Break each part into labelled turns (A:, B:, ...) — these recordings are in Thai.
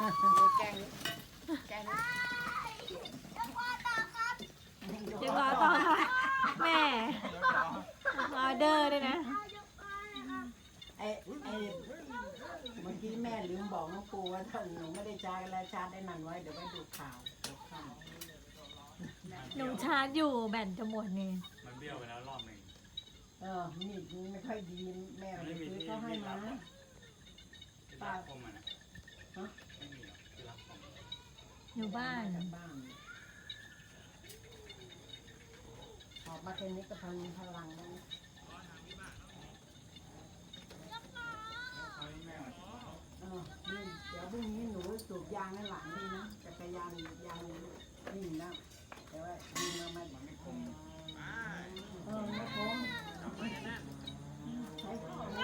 A: แกงแกง
B: เดี๋ยวรอต่อค่ะแม่ออเดอร์ด้วยนะ
A: ไอ้เมื่อกี้แม่ลืมบอกน้องปูว่าถ้าหนูไม่ได้ชาร์จแล้วชาร์จได้นานไว้เดี๋ยวไปดูข่าว
B: หนูชาร์จอยู่แบตจะหมดนี่
C: มันเบี้ยวไปแล้วรอบหนึ่ง
A: มีดไม่ค่อยดีแม่ไปซื้อเขาให้มา
C: ที่รักคมอ่ะนะไม่มีหรอกที่รักคม
B: อยู่บ้าน
A: จากบ้านออกมาแค่นี้ก็ทำพลังแล้ว
C: เอาให้แม่มา
A: นี่เดี๋ยวพรุ่งนี้หนูสูบยางให้หลานดีนะจักรยานยางนิ่งแล้วแต่ว่ายิงมามันไม่คมไม่คมใช้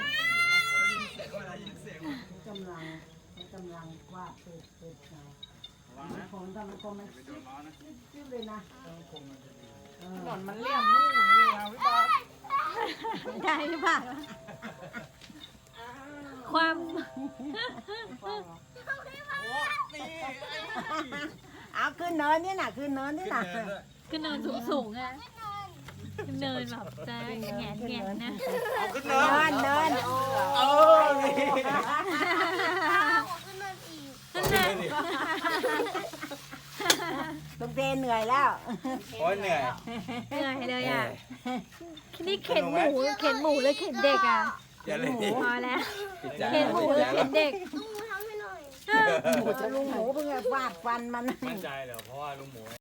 A: กำลังวาดเป็ดไงมันคมถ้ามันคมมันจิ้มเลยนะ
D: หนอนมันเลี่ยมนู่นนี่ครับพี่บอล
B: ได้หรือเปล่าความ
A: เอาขึ้นเนินนี่น่ะขึ้นเนินนี่น่ะ
B: ขึ้นเนินสูงๆอะขึ้นเนินแบบจะแงนๆนะ
D: เอาขึ้น
A: เนิ
D: เนิน
A: น
D: นี่
B: นั่นแหละ
A: ตุ้มเตเหนื่อยแล้ว
D: โอ้ยเหนื่อย
B: เหนื่อยเลยอ่ะนี่เข็นหมูหรือเข็นเด็กอ่ะ
D: อย่าเลย
B: พอแล้วเข็นหมูหรือเข็นเด็ก
A: หมูจะลุงหมูเพิ่งฟาดฟันมัน
C: มั่นใจเหรอเพราะว่าลุงหมู